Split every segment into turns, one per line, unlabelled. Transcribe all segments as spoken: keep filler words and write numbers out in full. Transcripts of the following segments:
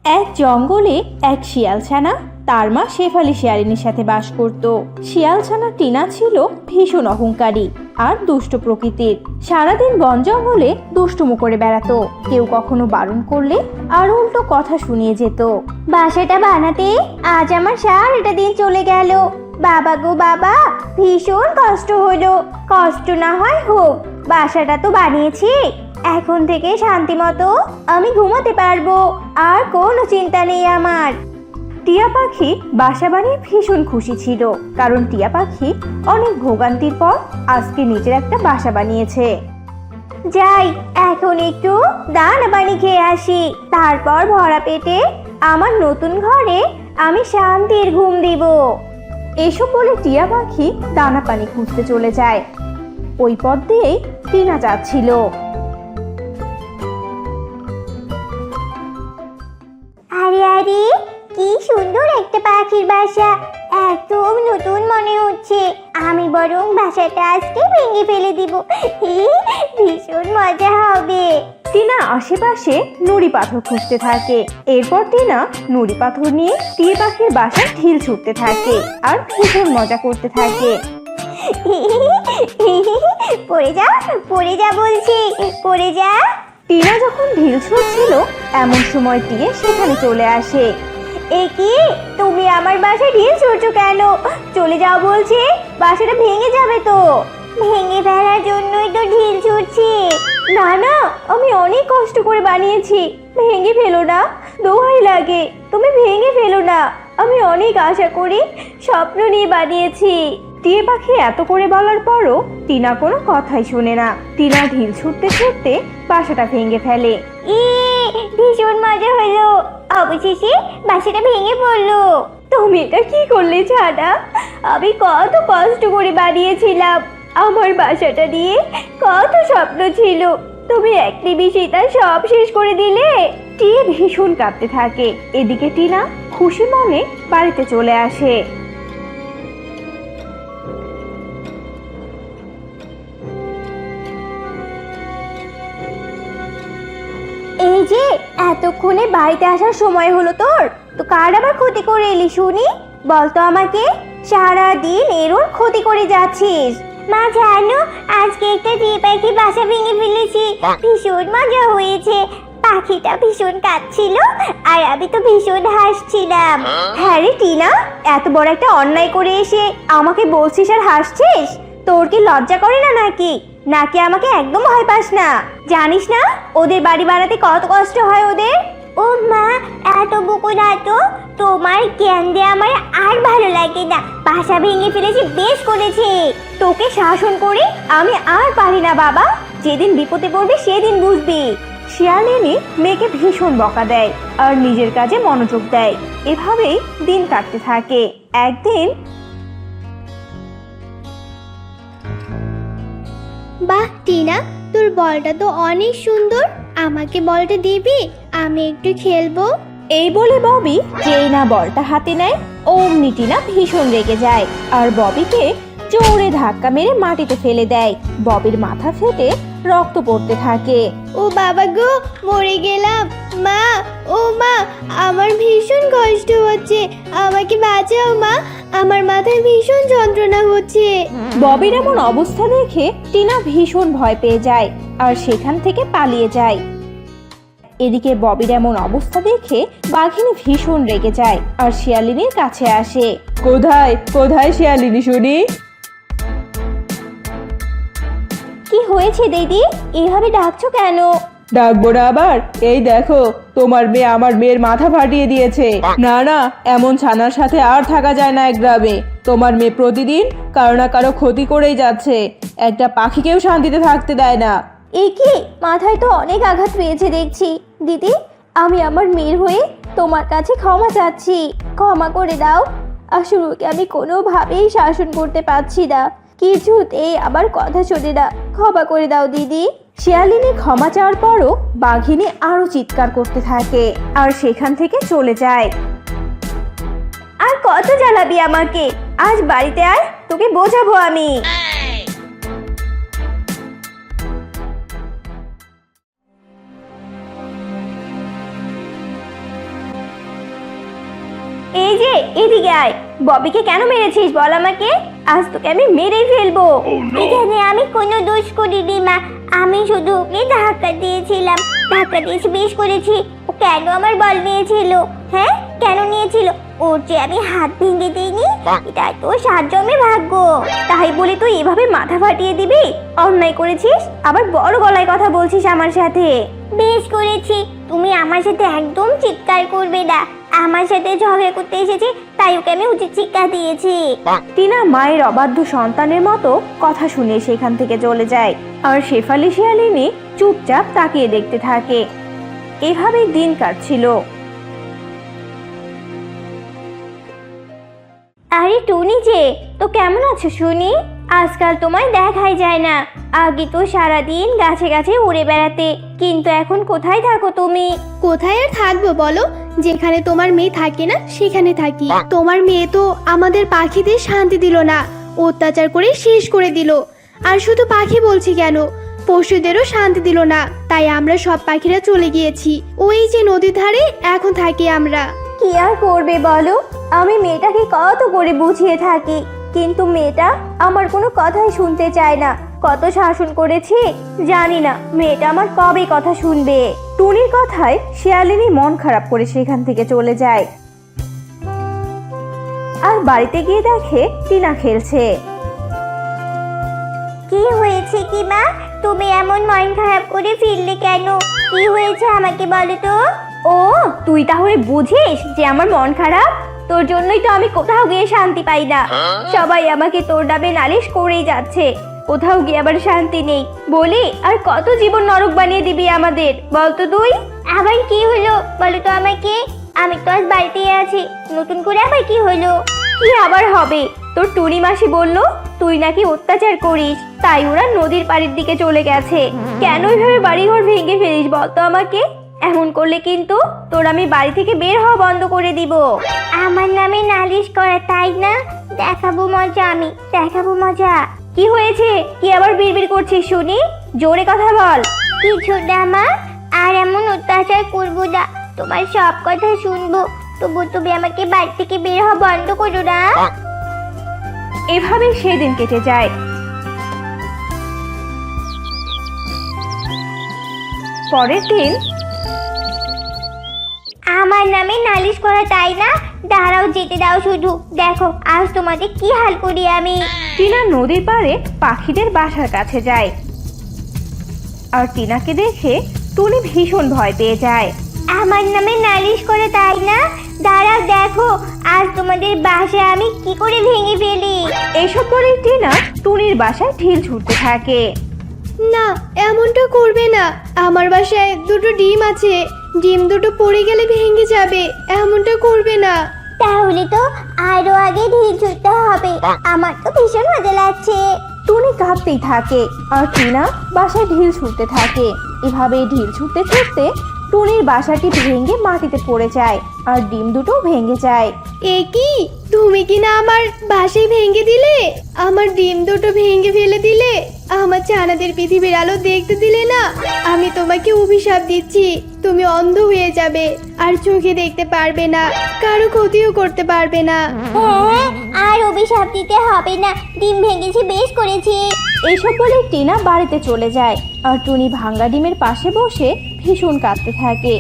এক জঙ্গলে এক শিয়ালছানা তার মা শেফালি শিয়ালিনীর সাথে বাস করত। শিয়ালছানা টিনা ছিল ভীষণ অহংকারী আর দুষ্ট প্রকৃতির। সারাদিন বন জঙ্গলে দুষ্টুমো করে বেড়াতো। কেউ কখনো বারণ করলে আর উল্টো কথা শুনিয়ে যেত।
বাসাটা বানাতে আজ আমার সারাটা দিন চলে গেল। বাবা গো বাবা, ভীষণ কষ্ট হলো। কষ্ট না হয় হোক, বাসাটা তো বানিয়েছি। এখন থেকে শান্তি মতো আমি ঘুমাতে পারবো, আর কোনো চিন্তা নেই আমার।
টিয়া পাখি বাসা বানিয়ে ভীষণ খুশি ছিল, কারণ টিয়া পাখি অনেক ভোগান্তির পর আজকে নিজের একটা বাসা বানিয়েছে।
যাই, এখন একটু দানা পানি খেয়ে আসি, তারপর ভরা পেটে আমার নতুন ঘরে আমি শান্তির ঘুম দিব।
এসব বলে টিয়া পাখি দানা পানি খুঁজতে চলে যায়। ওই পথ দিয়েই টিনা যাচ্ছিল।
আরে আরে, কি সুন্দর একটা পাখির বাসা, একদম নতুন মনে হচ্ছে। আমি বরং বাসাটা আজকে ভেঙে ফেলে দিব, ভীষণ মজা হবে।
টিনা আশেপাশে নুড়ি পাথর খুঁজতে থাকে। এরপর টিনা নুড়ি পাথর নিয়ে টিয়া পাখির বাসায় ঢিল ছুটতে থাকে আর ভীষণ মজা করতে থাকে।
পড়ে যা পড়ে যা বলছি, পড়ে যা।
টিনা যখন ঢিল ছুটছিল এমন সময় টিয়ে সেখানে চলে আসে।
এ কি, তুমি আমার বাসায় ঢিল ছুটছো কেন? চলে যাও বলছি, বাসাটা ভেঙে যাবে তো। ভেঙে ফেলার জন্যই তো ঢিল ছুটছি।
না না, আমি অনেক কষ্ট করে বানিয়েছি, ভেঙে ফেলো না, দোহাই লাগে, তুমি ভেঙে ফেলো না। আমি অনেক আশা করি স্বপ্ন নিয়ে বানিয়েছি। টিয়ে পাখি এত করে বলার পরও টিনা কোনো কথাই শোনে না। টিনা ঢিল ছুটতে ছুটতে বাসাটা ভেঙে ফেলে।
ই, ভীষণ মজা হলো, অবশেষে বাসাটা ভেঙে পড়লো।
তুমি এটা কি করলে ছানা? আমি কত কষ্ট করে বানিয়েছিলাম, আমার বাসাটা নিয়ে কত স্বপ্ন ছিল, তুমি এক নিমিষেই তা সব শেষ করে দিলে। টিয়ে ভীষণ কাঁদতে থাকে। এদিকে টিনা খুশি মনে বাড়িতে চলে আসে।
এই যে, এতক্ষণে বাড়িতে আসার সময় হলো তোর, তো কার আবার ক্ষতি করে এলি শুনি? বলতো আমাকে, সারা দিন এর ওর ক্ষতি করে যাচ্ছিস। মা জানো, আজকে একটা টিয়া পাখি বাসা ভেঙে ফেলেছি, ভীষণ মজা হয়েছে। পাখিটা ভীষণ কাঁদছিল আর আমি তো ভীষণ হাসছিলাম।
হ্যাঁ রে টিনা, এত বড় একটা অন্যায় করে এসে আমাকে বলছিস আর হাসছিস? তোর কি লজ্জা করে না নাকি? নাকি আমাকে একদম ভয় পাস না? জানিস না ওদের বাড়ি বানাতে কত কষ্ট হয় ওদের?
ও মা, এত বকো না তো, তোমার জ্ঞান দিয়ে আমার আর ভালো লাগে না। বাসা ভেঙে ফেলেছি, বেশ করেছে।
তোকে শাসন করে আমি আর পারি না বাবা, যেদিন বিপদে পড়বি সেদিন বুঝবি। শিয়ালিনী মেয়েকে ভীষণ বকা দেয় আর নিজের কাজে মনোযোগ দেয়। এভাবেই দিন কাটতে থাকে। একদিন,
বাহ টিনা, তোর বলটা তো অনেক সুন্দর, আমাকে বলটা দিবি? আমি একটু খেলবো।
এই বলে ববি যেই না বলটা হাতে নেয় অমনি টিনা ভীষণ রেগে যায় আর ববিকে জোরে ধাক্কা মেরে মাটিতে ফেলে দেয়। ববির মাথা ফেটে রক্ত পড়তে থাকে।
ও বাবা গো, মরে গেলাম। মা, ও মা, আমার ভীষণ কষ্ট হচ্ছে, আমাকে বাঁচাও মা, আমার মাথায় ভীষণ যন্ত্রণা হচ্ছে।
ববির এমন অবস্থা দেখে টিনা ভীষণ ভয় পেয়ে যায় আর সেখান থেকে পালিয়ে যায়। এদিকে ববির এমন অবস্থা দেখে বাঘিনী ভীষণ রেগে যায় আর শিয়ালিনীর কাছে আসে। কোথায় কোথায় শিয়ালিনী শুনি?
কি হয়েছে দিদি, এভাবে ডাকছো কেন?
ডাকবো না আবার? এই দেখো, তোমার মেয়ে আমার মেয়ের মাথা ফাটিয়ে দিয়েছে। না না, এমন ছানার সাথে আর থাকা যায় না এক গ্রামে। তোমার মেয়ে প্রতিদিন কারো না কারো ক্ষতি করেই যাচ্ছে, একটা পাখিকেও শান্তিতে থাকতে দেয় না।
এ কি, মাথায় তো অনেক আঘাত পেয়েছে দেখছি। দিদি, আমি আমার মেয়ের হয়ে তোমার কাছে ক্ষমা চাচ্ছি, ক্ষমা করে দাও। আসলে ওকে আমি কোনোভাবেই শাসন করতে পারছি না, কিছুতেই আবার কথা শোনে না, ক্ষমা করে দাও দিদি।
শিয়ালিনী ক্ষমা চাওয়ার পরও বাঘিনী আরো চিৎকার করতে থাকে আর সেখান থেকে চলে যায়।
আর কত জ্বালাবি আমাকে? আজ বাড়িতে আয়, তোকে বোঝাবো আমি।
এই যে এদিকে আয়, ববিকে কেন মেরেছিস বল আমাকে, আজ তোকে আমি মেরেই ফেলবো।
এখানে আমি কোনো দোষ করিনি মা, আমি শুধু ওকে ধাক্কা দিয়েছিলাম, ধাক্কা দিয়েছি বেশ করেছি। ও কেন আমার বল নিয়েছিল? হ্যাঁ কেন নিয়েছিল? ওর যে আমি হাত ভেঙে দিইনি, এটা তো সাত জন্মের ভাগ্য।
তাই বলে তুই এভাবে মাথা ফাটিয়ে দিবি? অন্যায় করেছিস, আবার বড় গলায় কথা বলছিস আমার সাথে।
বেশ করেছি, তুমি আমার সাথে একদম চিৎকার করবে না। আমার সাথে ঝগড়া করতে এসেছে, তাই ওকে আমি উচিত শিক্ষা দিয়েছি।
টিনা মায়ের অবাধ্য সন্তানের মতো কথা শুনে সেখান থেকে চলে যায়, আর শেফালি শিয়ালিনী চুপচাপ তাকিয়ে দেখতে থাকে। এভাবেই দিন কাটছিল। আরে টুনি যে, তো কেমন আছো শুনি? আজকাল তোমায় দেখাই যায় না। আগে তো সারাদিন গাছে গাছে উড়ে বেড়াতে, কিন্তু এখন কোথায় থাকো তুমি?
কোথায় আর থাকবো বলো, যেখানে তোমার মেয়ে থাকে না সেখানে থাকি। তোমার মেয়ে তো আমাদের পাখিদের শান্তি দিল না, অত্যাচার করে শেষ করে দিল। আর শুধু পাখি বলছি কেন, পশুদেরও শান্তি দিল না। তাই আমরা সব পাখিরা চলে গিয়েছি ওই যে নদীর ধারে, এখন থাকি আমরা।
কি আর করবে বলো, আমি মেয়েটাকে কত করে বুঝিয়ে থাকি, কিন্তু মেয়েটা আমার কোনো কথাই শুনতে চায় না। কত শাসন করেছি, জানি না মেয়েটা আমার কবে কথা শুনবে। টুনির কথায় শিয়ালিনী মন খারাপ করে সেখান থেকে চলে যায়, আর বাড়িতে গিয়ে দেখে টিনা খেলছে।
কি হয়েছে কি মা, তুমি এমন মন খারাপ করে ফিরলে কেন? কি হয়েছে আমাকে বলো তো।
ও তুই তাহলে বুঝিস যে আমার মন খারাপ? তোর জন্যই তো আমি কোথাও গিয়ে শান্তি পাই না। সবাই আমাকে তোর নামে নালিশ করেই যাচ্ছে, কোথাও গিয়ে আবার শান্তি নেই বলি। আর কত জীবন নরক বানিয়ে দিবি আমাদের, বলতো তুই?
আবার কি হলো বলো তো আমাকে, আমি তো আজ বাড়িতেই আছি, নতুন করে আবার কি হলো?
কি আবার হবে, তোর টুনি মাসি বললো তুই নাকি অত্যাচার করিস, তাই ওরা নদীর পাড়ের দিকে চলে গেছে। কেন এইভাবে বাড়িঘর ভেঙে ফেলিস বলতো আমাকে? এমন করলে কিন্তু তোর আমি বাড়ি থেকে বের হওয়া বন্ধ করে দিব।
আমার নামে নালিশ করা তাই না? দেখাবো মজা, আমি দেখাবো মজা।
কি হয়েছে, কি আবার বিড়বিড় করছিস শুনি? জোরে কথা বল।
কিছু না মা, আর এমন অত্যাচার করবো না, তোমার সব কথা শুনবো, তবু তুমি আমাকে বাড়ি থেকে বের হওয়া বন্ধ করো না।
এভাবেই সেদিন কেটে যায়। পরের দিন।
আমার নামে নালিশ করা তাই না? দাঁড়াও, যেতে দাও শুধু, দেখো আজ তোমাদের কি হাল করি আমি।
টিনা নদীর পাড়ে পাখিদের বাসার কাছে যায়, আর টিনাকে দেখে টুনি ভীষণ ভয় পেয়ে যায়।
আমার নামে নালিশ করে তাই না? দাঁড়াও দেখো আজ তোমাদের বাসা আমি কি করে ভেঙে ফেলি।
এসব বলে টিনা টুনির বাসায় ঢিল ছুটতে থাকে।
না, এমনটা করবে না, আমার বাসায় দুটো ডিম আছে, ডিম দুটো পড়ে গেলে ভেঙে যাবে, এমনটা করবে না।
তাহলে তো আরো আগে ঢিল ছুটতে হবে, আমার তো ভীষণ মজা লাগছে।
টুনি কাঁপতেই থাকে, আর টিনা বাসায় ঢিল ছুটতে থাকে। এভাবে ঢিল ছুটতে ছুটতে টুনির বাসাটি ভেঙে মাটিতে পড়ে যায়, আর ডিম দুটো ভেঙে যায়।
এ কি, তুমি কি না আমার বাসায় ভেঙে দিলে? আমার ডিম দুটো ভেঙে ফেলে দিলে, আমার ছানাদের পৃথিবীর আলো দেখতে দিলে না। আমি তোমাকে অভিশাপ দিচ্ছি, তুমি অন্ধ হয়ে যাবে, আর চোখে দেখতে পারবে না, কারো ক্ষতিও করতে পারবে না।
হ্যাঁ, আর অভিশাপ দিতে হবে না, ডিম ভেঙেছি বেশ করেছি।
এইসব বলে টিনা বাড়িতে চলে যায়, আর টুনি ভাঙ্গা ডিমের পাশে বসে ভীষণ কাঁদতে থাকে।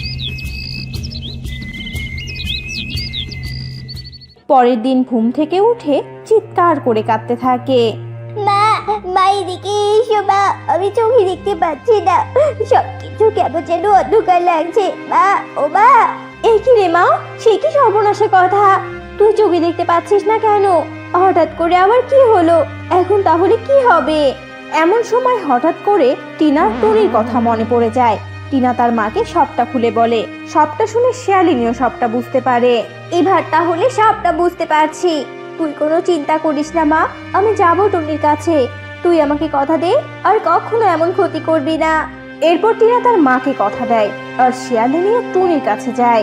পরের দিন ঘুম থেকে উঠে চিৎকার করে কাঁদতে থাকে।
মা, মা এদিকে এসো মা, আমি চোখে দেখতে পাচ্ছি না, সব কিছু কেমন যেন অন্ধকার লাগছে। মা, ও মা।
এই কি রে মা, সে কি সর্বনাশা কথা, তুই চোখে দেখতে পাচ্ছিস না কেন? হঠাৎ করে আবার কি হলো? এখন তাহলে কি হবে? এমন সময় হঠাৎ করে টিনা টুনির কথা মনে পড়ে যায়। টিনা তার মাকে সবটা খুলে বলে। সবটা শুনে শিয়ালিনীও সবটা বুঝতে পারে। এবার তাহলে সবটা বুঝতে পারছি, তুই কোনো চিন্তা করিস না মা, আমি যাবো টুনির কাছে। তুই আমাকে কথা দে আর কখনো এমন ক্ষতি করবি না। এরপর টিনা তার মাকে কথা দেয়, আর শিয়ালিনীও টুনির কাছে যায়।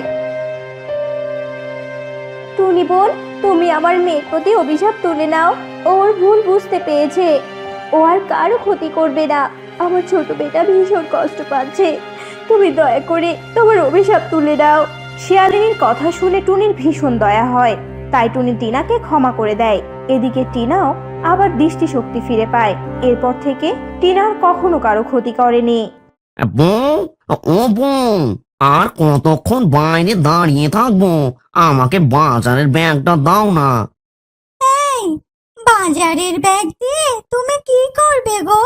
টুনি বোন, তুমি আমার মেয়ের প্রতি অভিশাপ তুলে নাও, ওর ভুল বুঝতে পেরেছে, ও আর কারো ক্ষতি করবে না। আমার ছোট বেটা ভীষণ কষ্ট পাচ্ছে, তুমি দয়া করে তোমার অভিশাপ তুলে দাও। শিয়ালিনীর কথা শুনে টুনির ভীষণ দয়া হয়, তাই টুনি টিনাকে ক্ষমা করে দেয়। এদিকে টিনাও আবার দৃষ্টিশক্তি ফিরে পায়। এরপর থেকে টিনা আর কখনো কারো ক্ষতি করেনি।
বউ, ও বউ, আর কতক্ষণ বাইরে দাঁড়িয়ে থাকবো? আমাকে বাজারের ব্যাগটা দাও না।
বাজারের ব্যাগ দিয়ে তুমি কি করবে গো?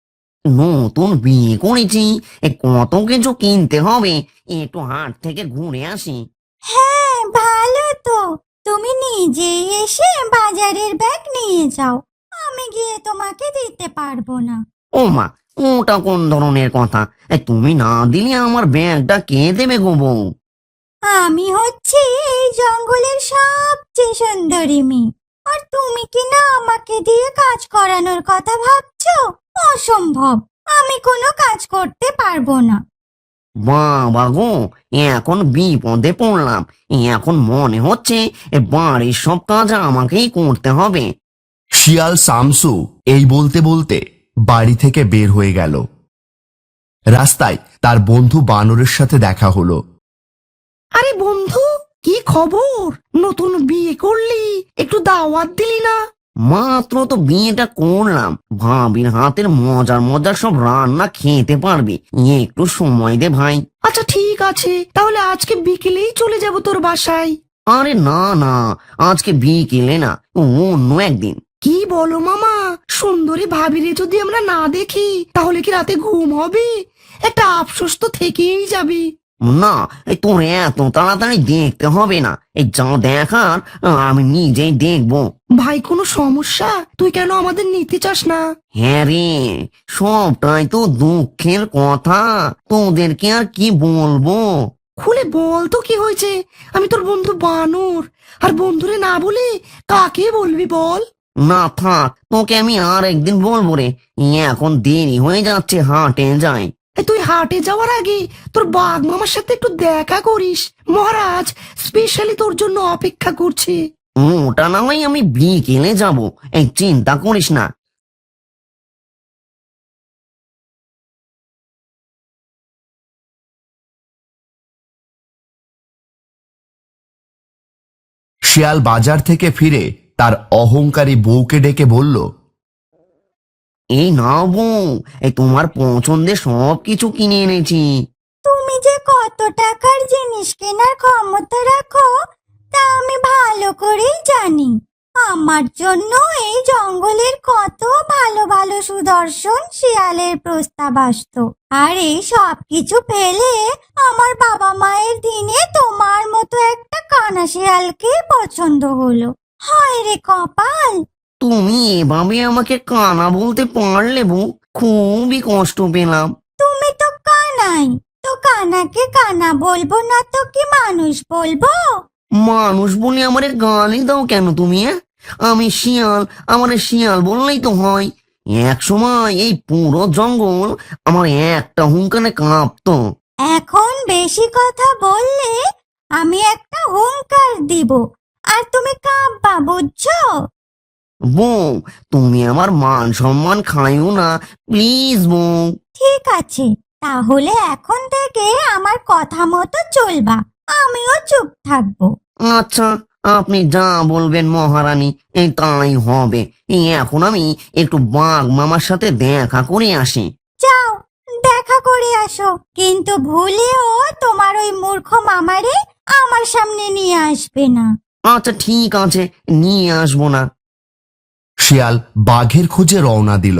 নতুন বিয়ে করেছি, এ কত কিছু কিনতে হবে, একটু হাট থেকে ঘুরে আসি।
হ্যাঁ, ভালো তো। তুমি নিজেই এসে বাজারের ব্যাগ নিয়ে যাও, আমি গিয়ে তোমাকে দিতে পারবো না।
ও মা, ওটা কোন ধরনের কথা? এ, তুমি না দিলে আমার ব্যাগটা কে দেবে গো বউ?
আমি হচ্ছি এই জঙ্গলের সবচেয়ে সুন্দরী মেয়ে, আর তুমি কি না আমাকে দিয়ে কাজ করানোর কথা ভাবছো? অসম্ভব, আমি কোনো কাজ করতে পারবো না।
বাবা গো, এখন বিপদে পড়লাম। এখন মনে হচ্ছে এ বাড়ির সব কাজ আমাকেই করতে হবে।
শিয়াল শামসু এই বলতে বলতে বাড়ি থেকে বের হয়ে গেল। রাস্তায় তার বন্ধু বানরের সাথে দেখা হলো।
আরে বন্ধু, কি খবর? নতুন বিয়ে করলি, একটু দাওয়াত দিলি না?
মাত্র তো বিয়েটা করলাম, ভাবির হাতের মজার মজার সব রান্না খেতে পারবি, একটু সময় দে ভাই।
আচ্ছা ঠিক আছে, তাহলে আজকে বিকেলেই চলে যাব তোর বাসায়।
আরে না না, আজকে বিকেলে না, অন্য একদিন।
কি বলো মামা, সুন্দরী ভাবিরে যদি আমরা না দেখি তাহলে কি রাতে ঘুম হবে? একটা আফসোস তো থেকেই যাবে।
না, এই তোর এত তাড়াতাড়ি দেখতে হবে না, এই যা দেখার আমি নিজেই দেখবো।
ভাই, কোনো সমস্যা? তুই কেন আমাদের নিতে চাস না?
হ্যাঁ রে, সবটাই তো দুঃখের কথা, তোদেরকে আর কি বলবো।
খুলে বল তো কি হয়েছে? আমি তোর বন্ধু বানর, আর বন্ধুরে না বলে কাকে বলবি বল?
না থাক, তোকে আমি আর একদিন বলবো রে, এখন দেরি হয়ে যাচ্ছে, হাটে যাই।
এই তুই হাটে যাওয়ার আগে তোর বাঘ মামার সাথে একটু দেখা করিস, মহারাজ স্পেশালি তোর জন্য অপেক্ষা করছে।
ওটা না হয় আমি বিকেলে যাব, এই চিন্তা করিস না।
শিয়াল বাজার থেকে ফিরে তার অহংকারী বউকে ডেকে বলল,
এই নাও বউ, এই তোমার পছন্দের সব কিছু কিনে এনেছি।
তুমি যে কত টাকার জিনিস কেনার ক্ষমতা রাখো তা আমি ভালো করেই জানি। আমার জন্য এই জঙ্গলের কত ভালো ভালো সুদর্শন শিয়ালের প্রস্তাব আসতো, আর এই সব কিছু পেলে আমার বাবা মায়ের দিনে তোমার মতো একটা কানা শিয়ালকে পছন্দ হলো। হায় রে কপাল!
তুমি এভাবে আমাকে কানা বলতে পারলে বউ, খুবই কষ্ট পেলাম।
তুমি তো কানাই, তো কানাকে কানা বলবো না তো কি মানুষ বলবো?
মানুষ বলে আমারে গালি দাও কেন তুমি? হ্যাঁ, আমি শিয়াল, আমার শিয়াল বললেই তো হয়। এক সময় এই পুরো জঙ্গল আমার একটা হুঙ্কারে কাঁপতো।
এখন বেশি কথা বললে আমি একটা হুঙ্কার দিব, আর তুমি কাঁপবা, বুঝছো?
বউ, তুমি আমার মান সম্মান খাইও না প্লিজ বউ।
ঠিক আছে, তাহলে এখন থেকে আমার কথা মতো চলবা, আমিও চুপ থাকবো।
আচ্ছা, আপনি যা বলবেন মহারানী, এই তাই হবে। এই এখন আমি একটু বাঘ মামার সাথে দেখা করে আসি।
যাও, দেখা করে আসো, কিন্তু ভুলেও তোমার ওই মূর্খ মামারে আমার সামনে নিয়ে আসবে না।
আচ্ছা ঠিক আছে, নিয়ে আসবো না।
শিয়াল বাঘের খোঁজে রওনা দিল।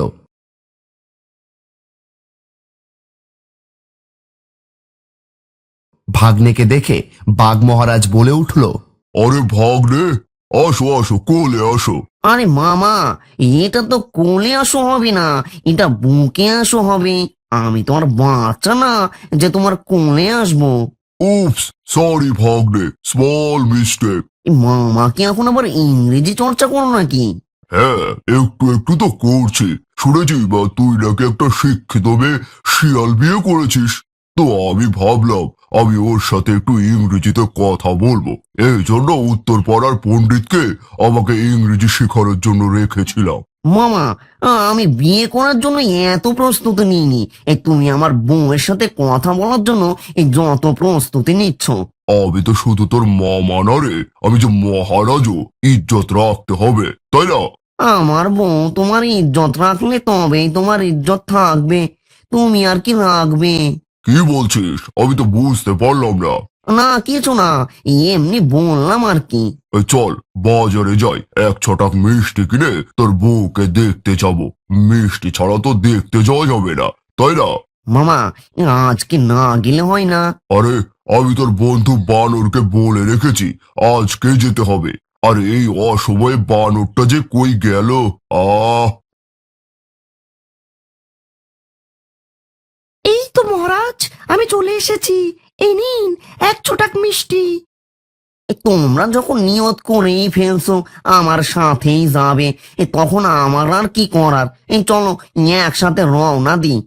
ভাগ্নেকে দেখে বাঘ মহারাজ বলে উঠল,
আরে ভাগ্নে, আসো আসো, কোলে আসো।
আরে মামা, এটা তো কোলে আসো হবে না, এটা বুকে আসো হবে। আমি তোমার বাচ্চা না যে তোমার কোলে আসবো।
উপস, সরি ভাগ্নে, স্মল মিস্টেক।
এই মামা কি এখন আবার ইংরেজি চর্চা করো নাকি?
হ্যাঁ, একটু একটু তো করছি। শুনেছি বা তুই নাকি একটা শিক্ষিত মেয়ে শিয়াল বিয়ে করেছিস, তো আমি ভাবলাম আমি ওর সাথে একটু ইংরেজিতে কথা বলবো, এই জন্য উত্তর পাড়ার পণ্ডিতকে আমাকে ইংরেজি শেখানোর জন্য রেখেছিলাম।
মামা, আমি বিয়ে করার জন্য এত প্রস্তুতি নিইনি, এই তুমি আমার বউয়ের সাথে কথা বলার জন্য এই যত প্রস্তুতি নিচ্ছ।
আমি তো শুধু তোর মামা না রে, আমি যে মহারাজও, ইজ্জত রাখতে হবে, তাই না?
আমার বউ তোমার ইজ্জত রাখলে তবেই তোমার ইজ্জত থাকবে, তুমি আর কি রাখবে?
কি বলছিস? আমি তো বুঝতে পারলাম না।
না কিছু না, এমনি বললাম আর কি।
এই চল বাজারে যাই, এক ছটাক মিষ্টি কিনে তোর বউকে দেখতে যাব। মিষ্টি ছাড়া তো দেখতে যাওয়া যাবে না, তাই না?
মামা, আজকে না গেলে হয় না?
আরে আমি তোর বন্ধু বানরকে বলে রেখেছি আজকে যেতে হবে। আর এই অসময়ে বানরটা যে কই গেল! আহ
এই তো মহারাজ, আমি চলে এসেছি। এই নিন এক ছোটাক মিষ্টি।
এ, তোমরা যখন নিয়ত করেই ফেলছো আমার সাথেই যাবে, এ, তখন আমার আর কি করার? এই চলো একসাথে রওনা দিই।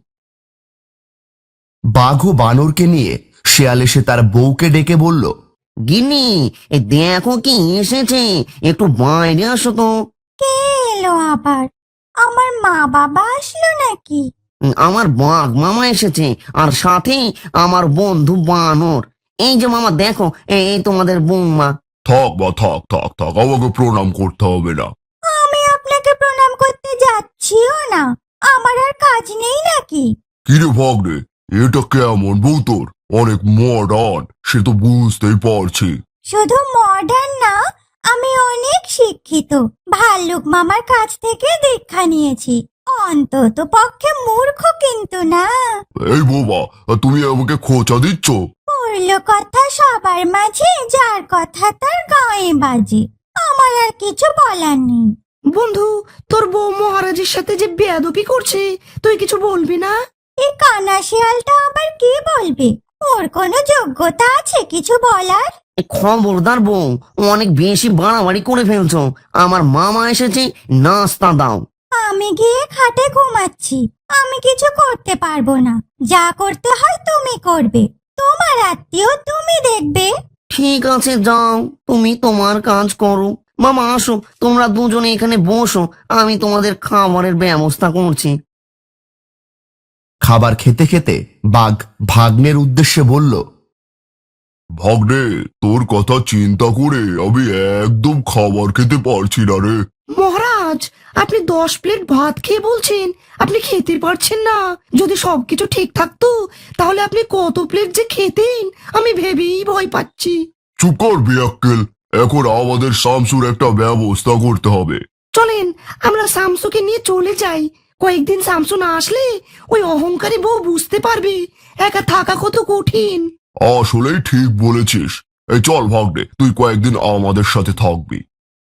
বাঘ ও বানরকে নিয়ে শিয়াল এসে তার বউকে ডেকে বলল,
গিন্নি, এ দেখো কি এসেছে, একটু বাইরে আসো তো।
কে এলো আবার? আমার মা বাবা আসলো নাকি?
উম, আমার বাঘ মামা এসেছে, আর সাথে আমার বন্ধু বানর। এই যে মামা দেখো, এই এই তোমাদের বৌমা।
থাক বা থাক থাক থাক, আমাকে প্রণাম করতে হবে না।
আমি আপনাকে প্রণাম করতে যাচ্ছিও না। আমার আর কাজ নেই নাকি?
কিরে ভাগ্নে, এটা কেমন বউ তোর? অনেক মডার্ন, সে তো বুঝতেই পারছি।
শুধু মডার্ন না, আমি অনেক শিক্ষিত। ভাল্লুক মামার কাছ থেকে দীক্ষা নিয়েছি। অন্তত পক্ষে মূর্খ কিন্তু না।
এই বোবা, তুমি আমাকে খোঁচা দিচ্ছ?
পড়ল কথা সবার মাঝে, যার কথা তার গায়ে বাজে। আমার আর কিছু বলার নেই।
বন্ধু, তোর বউ মহারাজের সাথে যে বেয়াদবি করছে, তুই কিছু বলবি না?
এই কানা শিয়ালটা আবার কি বলবে? ওর কোনো যোগ্যতা আছে কিছু বলার?
এ, খবরদার বউ, অনেক বেশি বাড়াবাড়ি করে ফেলছো। আমার মামা এসেছে, নাস্তা দাও।
আমি গিয়ে খাটে ঘুমাচ্ছি। আমি কিছু করতে পারবো না। যা করতে হয় তুমি করবে। তোমার আত্মীয় তুমি দেখবে।
ঠিক আছে যাও, তুমি তোমার কাজ করো। মামা আসো, তোমরা দুজনে এখানে বসো, আমি তোমাদের খাবারের ব্যবস্থা করছি।
খাবার খেতে খেতে বাঘ ভাগ্নের উদ্দেশ্যে বলল,
ভাগ্নে, তোর কথা চিন্তা করে আমি একদম খাবার খেতে পারছি না রে।
মহারাজ, আপনি দশ প্লেট ভাত খেয়ে বলছেন আপনি খেতে পারছেন না। যদি সবকিছু ঠিক থাকতো তাহলে আপনি কত প্লেট যে খেতেন আমি ভেবেই ভয় পাচ্ছি।
চুপ কর বিয়াক্কেল, এখন আমাদের শামসুর একটা ব্যবস্থা করতে হবে।
চলেন আমরা শামসুকে নিয়ে চলে যাই। কয়েকদিন শামসু না আসলে ওই অহংকারী বউ বুঝতে পারবে একা থাকা কত কঠিন।
আসলেই ঠিক বলেছিস। এই চল ভাগ্নে, তুই কয়েকদিন আমাদের সাথে থাকবি।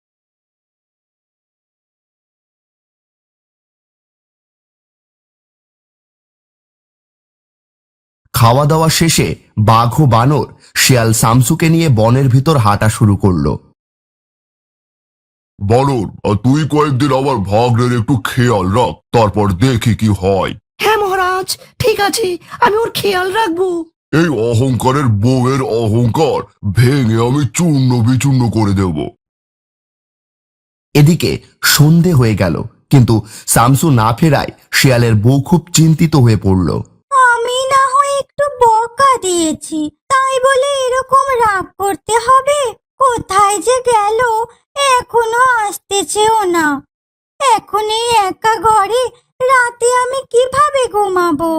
খাওয়া দাওয়া শেষে বাঘ ও বানর শিয়াল শামসুকে নিয়ে বনের ভিতর হাঁটা শুরু করলো।
বানর, আর তুই কয়েকদিন আমার ভাগ্নের একটু খেয়াল রাখ, তারপর দেখি কি হয়।
হ্যাঁ মহারাজ, ঠিক আছে, আমি ওর খেয়াল রাখবো।
এই অহংকারের বউয়ের অহংকার ভেঙে আমি চূর্ণ বিচূর্ণ করে দেব।
এদিকে সন্ধে হয়ে গেল, কিন্তু শামসু না ফেরায় শিয়ালের বউ খুব চিন্তিত হয়ে পড়ল।
আমি না হয় একটু বকা দিয়েছি, তাই বলে এরকম রাগ করতে হবে? কোথায় যে গেল, এখনো আসতেছেও না। এখন এই একা ঘরে রাতে আমি কিভাবে ঘুমাবো?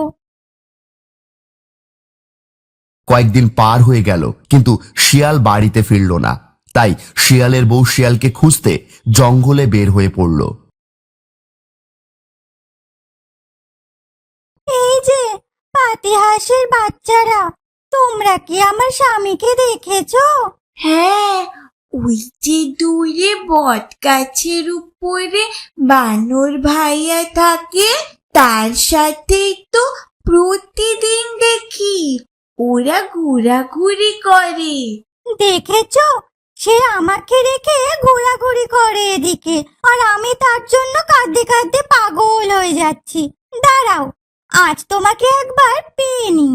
কয়েকদিন পার হয়ে গেল, কিন্তু শিয়াল বাড়িতে ফিরল না। তাই শিয়ালের বউ শিয়ালকে খুঁজতে জঙ্গলে বের হয়ে পড়ল।
এই যে পাতিহাঁসের বাচ্চারা, তোমরা কি আমার স্বামীকে দেখেছো?
হ্যাঁ, ওই যে দূরে বট গাছের উপরে বানর ভাইয়া থাকে, তার সাথেই তো প্রতিদিন দেখি ওরা ঘোরাঘুরি করে।
দেখেছো, সে আমাকে রেখে ঘোরাঘুরি করে এদিকে, আর আমি তার জন্য কাঁদতে কাঁদতে পাগল হয়ে যাচ্ছি। দাঁড়াও, আজ তোমাকে একবার পেয়ে নি।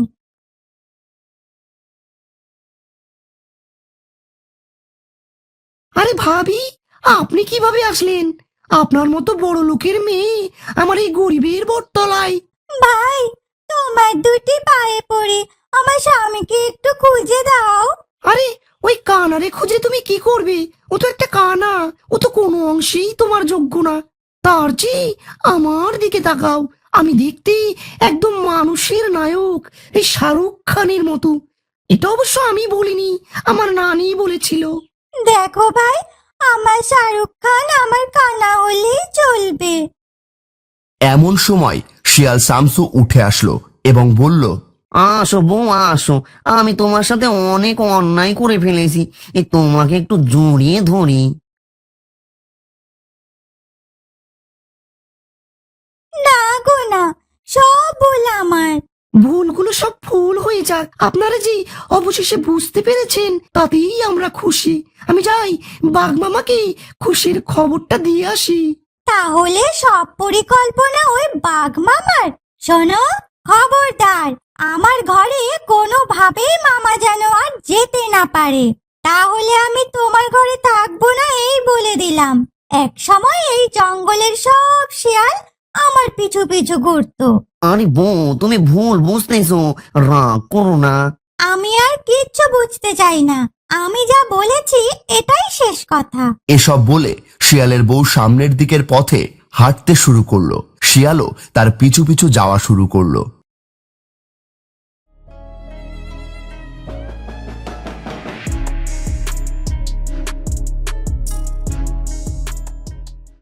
আরে ভাবি, আপনি কিভাবে আসলেন? আপনার মতো বড় লোকের মেয়ে আমার এই গরিবের বটতলায়।
ভাই, তোমার দুটি পায়ে পড়ি, আমার স্বামীকে একটু খুঁজে দাও।
আরে ওই কানারে খুঁজে তুমি কি করবে? ও তো একটা কানা, ও তো কোনো অংশেই তোমার যোগ্য না। তার চেয়ে আমার দিকে তাকাও, আমি দেখতে একদম মানুষের নায়ক, এই শাহরুখ খানের মতো। এটা অবশ্য আমি বলিনি, আমার নানি বলেছিল।
দেখো ভাই, আমার শাহরুখ খান আমার কানা হলেই চলবে।
এমন সময় শিয়াল শামসু উঠে আসলো এবং বলল,
আসো বউ আসো, আমি তোমার সাথে অনেক অন্যায় করে ফেলেছি, এই তোমাকে একটু জড়িয়ে ধরি।
না গো না, সব ভুল আমার।
ভুলগুলো সব ভুল হয়ে যাক, আপনারা যে অবশেষে বুঝতে পেরেছেন তাতেই আমরা খুশি। আমি যাই বাঘ মামাকে খুশির খবরটা দিয়ে আসি।
তাহলে সব পরিকল্পনা ওই বাঘ মামার? শোনো, খবরদার আমার ঘরে কোনোভাবেই মামা যেন আর যেতে না পারে। তাহলে আমি তোমার ঘরে থাকবো না, এই বলে দিলাম। এক সময় এই জঙ্গলের সব শিয়াল আমার পিছু পিছু ঘুরতো।
আরে বউ, তুমি ভুল বুঝতেছো, রাগ করো না।
আমি আর কিচ্ছু বুঝতে চাই না, আমি যা বলেছি এটাই শেষ কথা।
এসব বলে শিয়ালের বউ সামনের দিকের পথে হাঁটতে শুরু করলো। শিয়ালও তার পিছু পিছু যাওয়া শুরু করলো।